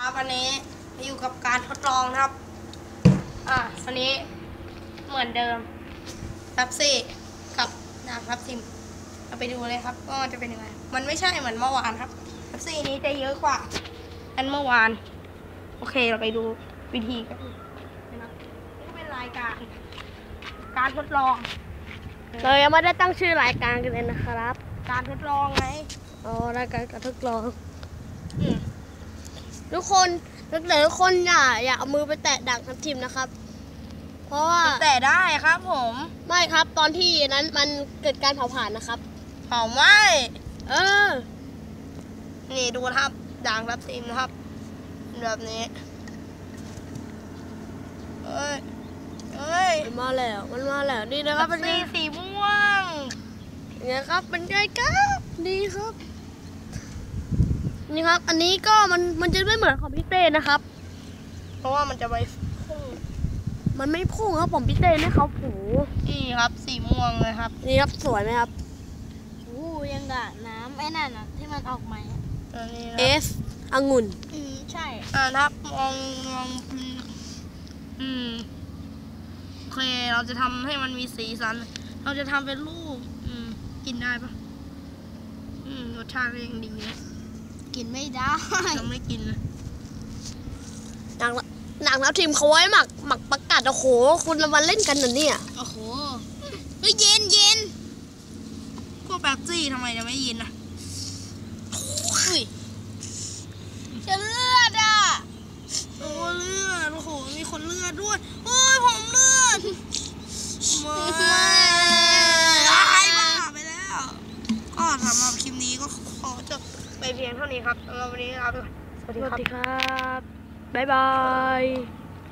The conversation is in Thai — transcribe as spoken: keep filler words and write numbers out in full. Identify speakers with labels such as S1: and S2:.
S1: ครับวันนี้อยู่กับการทดลองนะครับอ่าวันนี้เหมือนเดิมทับซี่กับน้ำทับทิมเราไปดูเลยครับก็จะเป็นยังไงมันไม่ใช่เหมือนเมื่อวานครับทับซี่นี้จะเยอะกว่าอันเมื่อวานโอเคเราไปดูวิธีกันนะครับนี่เป็นรายการการทดลอง
S2: เรายังไม่ได้ตั้งชื่อรายการกันเลยนะครับ
S1: การทดลองไง
S2: อ๋อรายการการทดลองทุกคนทุกคนอย่าอย่าเอามือไปแตะดังทับทิมนะครับเพราะว่า
S1: แตะได้ครับผม
S2: ไม่ครับตอนที่นั้นมันเกิดการเผาผลาญนะครับ
S1: เผาไหม้
S2: เออ
S1: นี่ดูครับด่างทับทิมนะครับแบบนี้เอ้ยเอ้ย
S2: มันมาแล้วมันมาแล้วนี่นะครับ
S1: เป็นสีสีม่วง
S2: เนี่ยครับเป็นไงครับดีครับนี่ครับอันนี้ก็มันมันจะไม่เหมือนของพี่เต้นะครับ
S1: เพราะว่ามันจะไปพุ่ง
S2: มันไม่พุ่งครับผมพี่เต้เนี่ยเขาผู
S1: นี่ครับสีม่วงเลยครับ
S2: นี่ครับสวยไหมครับ
S3: โอ้ยังกะน้ำไอ้นั่นอ่ะที่มันออกมา
S2: เอสองุ่น
S3: อืมใช่
S1: อ่าครับมองมองอืมโอเคเราจะทำให้มันมีสีสันเราจะทำเป็นรูปอืมกินได้ปะอืมรสชาติยังดีนะ
S3: กินไม่ได้
S1: ยังไม่กินเลย
S2: หนังหนังแล้วทีมเขาไว้หมักหมักประกาศโอ้โหคุณละวันเล่นกันนะเนี่ย
S3: โอ้โหเฮ้ยเย็นเย็น
S1: พวกแป๊บซี่ทำไมจะไม่เย็นอ่ะ
S3: อุ้ยจะเลือดอ่ะ
S1: โอ้เลือดโอ้โหมีคนเลือดด้วยโอ้ยผมเลือดไม่ตายบ้าไปแล้วก็สำหรับคลิปนี้ก็ขอจบไปเพียงเท่านี้ครับสำหรับวันนี้ลาไปก่อน
S2: สวัสดีครับบ๊ายบาย